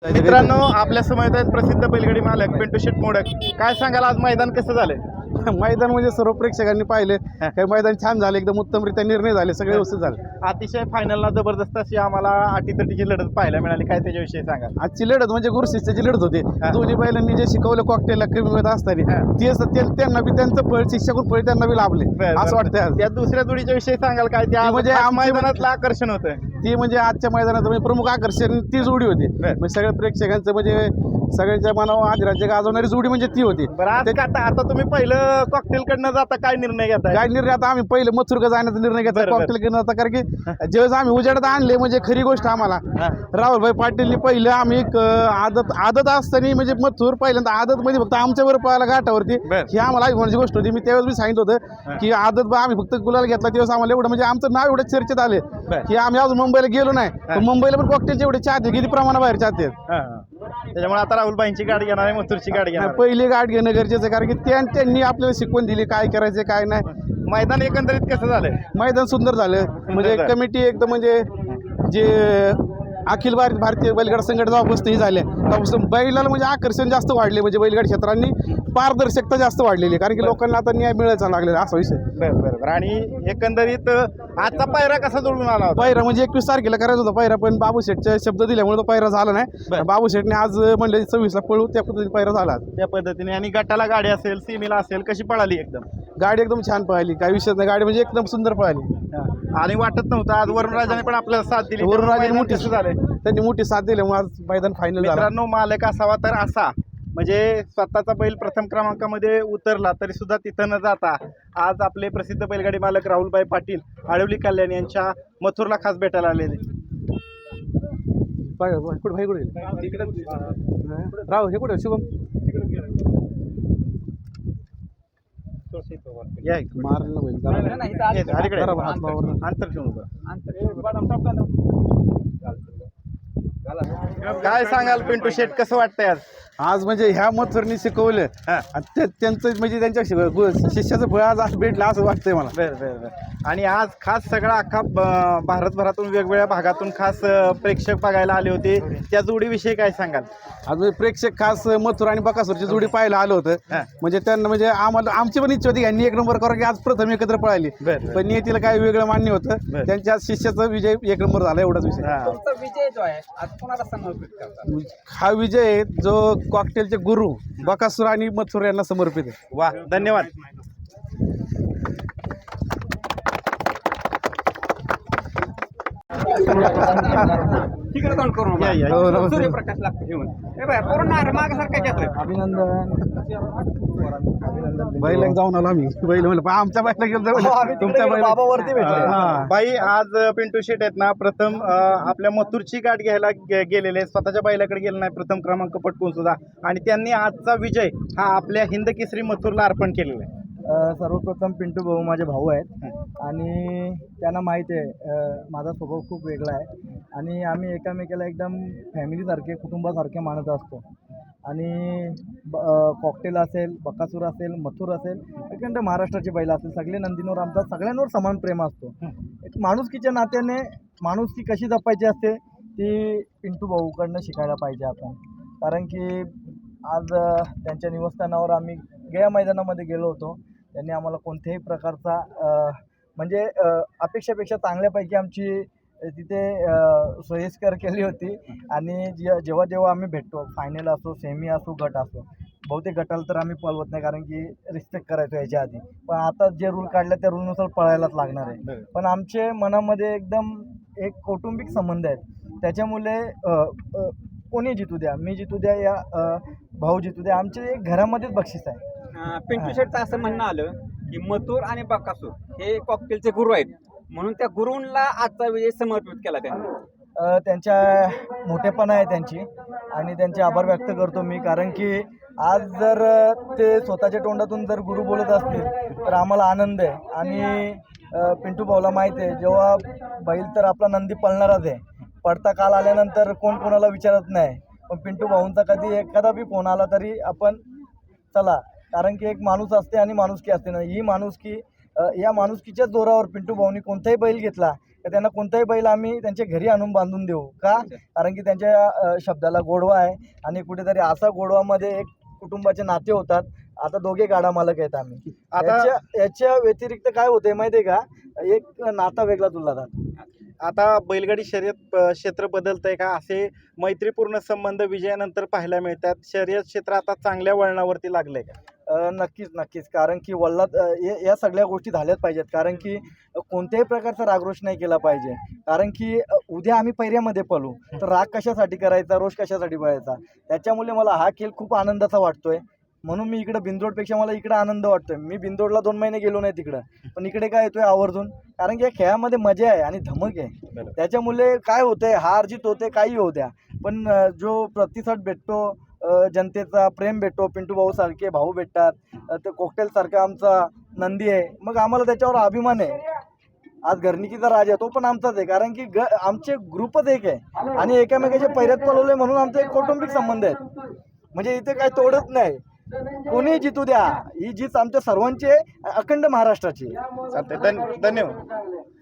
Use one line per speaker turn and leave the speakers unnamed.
मित्रांनो, आपल्या समोर आहेत प्रसिद्ध बैलगाडी मालक पिंटू शेट मोडक. काय सांगाल, आज मैदान कसं झालं?
मैदान म्हणजे सर्व प्रेक्षकांनी पाहिले. काही मैदान छान झाले, एकदम उत्तमरित्या निर्णय झाले, सगळे व्यवस्थित झाले.
अतिशय फायनलला जबरदस्त अशी आम्हाला अटीतटीची लढत पाहायला मिळाली. काय त्याच्याविषयी सांगा.
आजची लढत म्हणजे गुरुशिष्याची लढत होती. दोन्ही बैलांनी जे शिकवलं कॉकटेलला कमी वेळात असताना त्यांना बी त्यांचं फळ, शिक्षकून फळ त्यांना बी लाभले असं वाटतं.
त्या दुसऱ्या जोडीच्या विषयी सांगाल काय? त्या
म्हणजे
मैदानातलं आकर्षण होतं
ती, म्हणजे आजच्या मैदानात म्हणजे प्रमुख आकर्षण ती जोडी होती. म्हणजे सगळ्या प्रेक्षकांचं म्हणजे सगळ्यांच्या मनावर आदिराज्य गाजवणारी जोडी म्हणजे ती होती.
बरं, आज आता तुम्ही पहिलं कॉकटेल कडनं जाता, काय निर्णय घेता?
काय निर्णय, आता आम्ही पहिले मथुरका जाण्याचा निर्णय घेतला कॉकटेल कडनं आता. कारण की ज्यावेळेस आम्ही उजेडात आणले, म्हणजे खरी गोष्ट आम्हाला राहुलभाई पाटीलनी पहिलं आम्ही आदत असताना म्हणजे मथुर पहिल्यांदा आदत मध्ये फक्त आमच्या बरोबर पळायला घाटावरती, ही आम्हाला अभिमानाची गोष्ट होती. मी त्यावेळेस मी सांगितलं होतं की आदत आम्ही फक्त गुलाल घेतला त्यावेळेस आम्हाला एवढं म्हणजे आमचं नाव एवढं चर्चेत आले की आम्ही अजून मुंबईला गेलो नाही, पण मुंबईला पण कॉकटेलचे एवढे चाहते किती प्रमाणाबाहेर चाहते.
त्याच्यामुळे आता राहुलबाईंची गाडी घेणार आहे, मथुरची गाडी घेणार.
पहिली गाडी घेणं गरजेचं आहे, कारण की त्यांनी आपल्याला शिकवण दिली काय करायचं काय नाही.
मैदान एकंदरीत कसं झालंय?
मैदान सुंदर झालं. म्हणजे कमिटी एकदम म्हणजे जे अखिल भारतीय बैलगाडा संघटना जेव्हापासून ही झाल्या तेव्हापासून बैलाला म्हणजे आकर्षण जास्त वाढले. म्हणजे बैलगाडी क्षेत्रांनी पारदर्शकता जास्त वाढलेली, कारण की लोकांना आता न्याय मिळायचा लागलेला असा विषय.
बरोबर. आणि एकंदरीत आजचा पायरा कसा जोडून आला होता?
पायरा म्हणजे 21 तारखेला करायचा होता पायरा, पण बाबू शेठच्या शब्द दिल्यामुळे तो पायरा झाला नाही. बाबू शेठने आज म्हणले 26 ला पळू, त्या पद्धतीने पायरा झाला
त्या पद्धतीने. आणि गटाला गाडी असेल, सीमेला असेल, कशी पळाली? एकदम
गाडी एकदम छान पळाली, काही विषय नाही. गाडी म्हणजे एकदम सुंदर पळाली
आणि वाटत नव्हतं आज वरुणराजाने पण आपल्याला साथ दिली.
वरुणराजाने
मोठी झाले,
त्यांनी मोठी साथ दिल्यामुळे आज मैदान फायनल झालं.
मित्रांनो, मालक असावा तर असा, म्हणजे स्वतःचा बैल प्रथम क्रमांकामध्ये उतरला तरी सुद्धा तिथं न जाता आज आपले प्रसिद्ध बैलगाडी मालक राहुलभाई पाटील आळवली कल्याण यांच्या मथुरला खास भेटायला आलेले.
राव हे कुठे शुभम
काय सांगाल पिंटू शेट, कसं वाटतंय आज?
आज म्हणजे ह्या मथुरनी शिकवलं त्यांचं म्हणजे त्यांच्या शिष्याचं फळ आज भेटलं असं वाटतंय मला.
बरं. आणि आज खास सगळा अख्खा भारतभरातून वेगवेगळ्या भागातून खास प्रेक्षक बघायला आले होते. त्या जोडीविषयी काय सांगाल?
आज म्हणजे प्रेक्षक खास मथुर आणि बकासूरची जोडी पाहायला आलं होतं. म्हणजे त्यांना म्हणजे आम्हाला आमची पण इच्छा होती यांनी एक नंबर करा, की आज प्रथम एकत्र पळाली, पण नियतीला काय वेगळं मान्य होतं. त्यांच्या शिष्याचा विजय एक नंबर झाला, एवढाच विषय.
विजय जो आहे आज कोणाला समर्पित करतात?
हा विजय जो कॉकटेलचे गुरु बकासूर आणि मथुर यांना समर्पित आहे.
वा, धन्यवाद.
तिकडे तोंड करून सूर्यप्रकाश लागतो घेऊन पूर्ण मागासारखं घेतोय.
अभिनंदन. बैल जाऊन आलो आम्ही. बैल म्हणलं आमच्या बैला गेलो, तुमच्या
बाबावरती भेटले.
बाई, आज पिंटू शेट आहेत ना, प्रथम आपल्या मथुरची गाठ घ्यायला गेलेले, स्वतःच्या बैलाकडे गेले नाही, प्रथम क्रमांक पटकून सुद्धा. आणि त्यांनी आजचा विजय हा आपल्या हिंद केसरी मथुरला अर्पण केलेला आहे.
सर्वप्रथम पिंटू भाऊ माझे भाऊ आहेत आणि त्यांना माहिती आहे माझा स्वभाव खूप वेगळा आहे आणि आम्ही एकामेकाला एकदम फॅमिलीसारखे, कुटुंबासारखे मानत असतो. आणि कॉकटेल असेल, बकासूर असेल, मथुर असेल, एकंदर महाराष्ट्राची बैल असेल, सगळे नंदींवर आमचा सगळ्यांवर समान प्रेम असतो. एक माणुसकीच्या नात्याने माणुसकी कशी जपायची असते ती पिंटू भाऊकडनं शिकायला पाहिजे आपण. कारण की आज त्यांच्या निवासस्थानावर आम्ही गेल्या मैदानामध्ये गेलो होतो. त्यांनी आम्हाला कोणत्याही प्रकारचा म्हणजे अपेक्षापेक्षा चांगल्यापैकी आमची तिथे सोयीस्कर केली होती. आणि जेव्हा जेव्हा आम्ही भेटतो, फायनल असो, सेमी असो, गट असो, बहुतेक गटाला तर आम्ही पळवत नाही कारण की रिस्पेक्ट करायचो याच्या आधी, पण आता जे रूल काढले त्या रूलनुसार पळायलाच लागणार आहे. पण आमचे मनामध्ये एकदम एक कौटुंबिक संबंध आहेत. त्याच्यामुळे कोणी जितू द्या, मी जितू द्या या भाऊ जितू द्या, आमचे एक घरामध्येच बक्षीस आहे.
पिंटू शेटचं असं म्हणणं आलं की मथुर आणि बकासूर हे कॉकटेलचे गुरु आहेत, म्हणून त्या गुरूंना आजचा विजय समर्पित केला त्यांनी.
त्यांच्या मोठेपणा आहे त्यांची आणि त्यांचे आभार व्यक्त करतो मी. कारण की आज जर ते स्वतःच्या तोंडातून जर गुरु बोलत असतील तर आम्हाला आनंद आहे. आणि पिंटू भाऊला माहिती आहे जेव्हा बैल तर आपला नंदी पळणारच आहे, पडता काल आल्यानंतर कोण कोणाला विचारत नाही, पण पिंटू भाऊंचा कधी एखादा बी फोन आला तरी आपण चला, कारण की एक माणूस असते आणि माणुसकी असते ना, ही माणुसकी, या माणुसकीच्या जोरावर पिंटू भाऊनी कोणताही बैल घेतला तर त्यांना कोणताही बैल आम्ही त्यांच्या घरी आणून बांधून देऊ का, कारण की त्यांच्या शब्दाला गोडवा आहे आणि कुठेतरी असा गोडवामध्ये एक कुटुंबाचे नाते होतात. आता दोघे गाडा मालक आहेत आम्ही.
आता
याच्या व्यतिरिक्त काय होतंय माहिती आहे का, एक नाता वेगळा तुला जातो.
आता बैलगाडी शर्यत क्षेत्र बदलतंय का, असे मैत्रीपूर्ण संबंध विजयानंतर पाहायला मिळतात? शर्यत क्षेत्र आता चांगल्या वळणावरती लागलंय का?
नक्कीच, कारण की वल्लात या सगळ्या गोष्टी झाल्याच पाहिजेत, कारण की कोणत्याही प्रकारचा रागरोष नाही केला पाहिजे. कारण की उद्या आम्ही पैऱ्यामध्ये पळू तर राग कशासाठी करायचा, रोष कशासाठी पळायचा. त्याच्यामुळे मला हा खेळ खूप आनंदाचा वाटतोय. म्हणून मी इकडं बिंदोडपेक्षा मला इकडं आनंद वाटतोय. मी बिंदोडला 2 महिने गेलो नाही तिकडं, पण इकडे काय येतोय आवर्जून, कारण की या खेळामध्ये मजा आहे आणि धमक आहे. त्याच्यामुळे काय होतंय, हार जीत होते काही होऊ द्या, पण जो प्रतिसाद भेटतो, जनतेचा प्रेम भेटतो, पिंटू भाऊ सारखे भाऊ भेटतात, तर कॉकटेल सारखा आमचा नंदी आहे, मग आम्हाला त्याच्यावर अभिमान आहे. आज घरणिकीचा राजा तो पण आमचाच आहे, कारण की आमचे ग्रुपच एक आहे आणि एकामेकाच्या पैऱ्यात पळवले म्हणून आमचे एक कौटुंबिक संबंध आहेत. म्हणजे इथे काही तोडत नाही, कोणी जितू द्या, ही जीत आमच्या सर्वांची आहे, अखंड महाराष्ट्राची आहे.
चालतंय. धन्यवाद.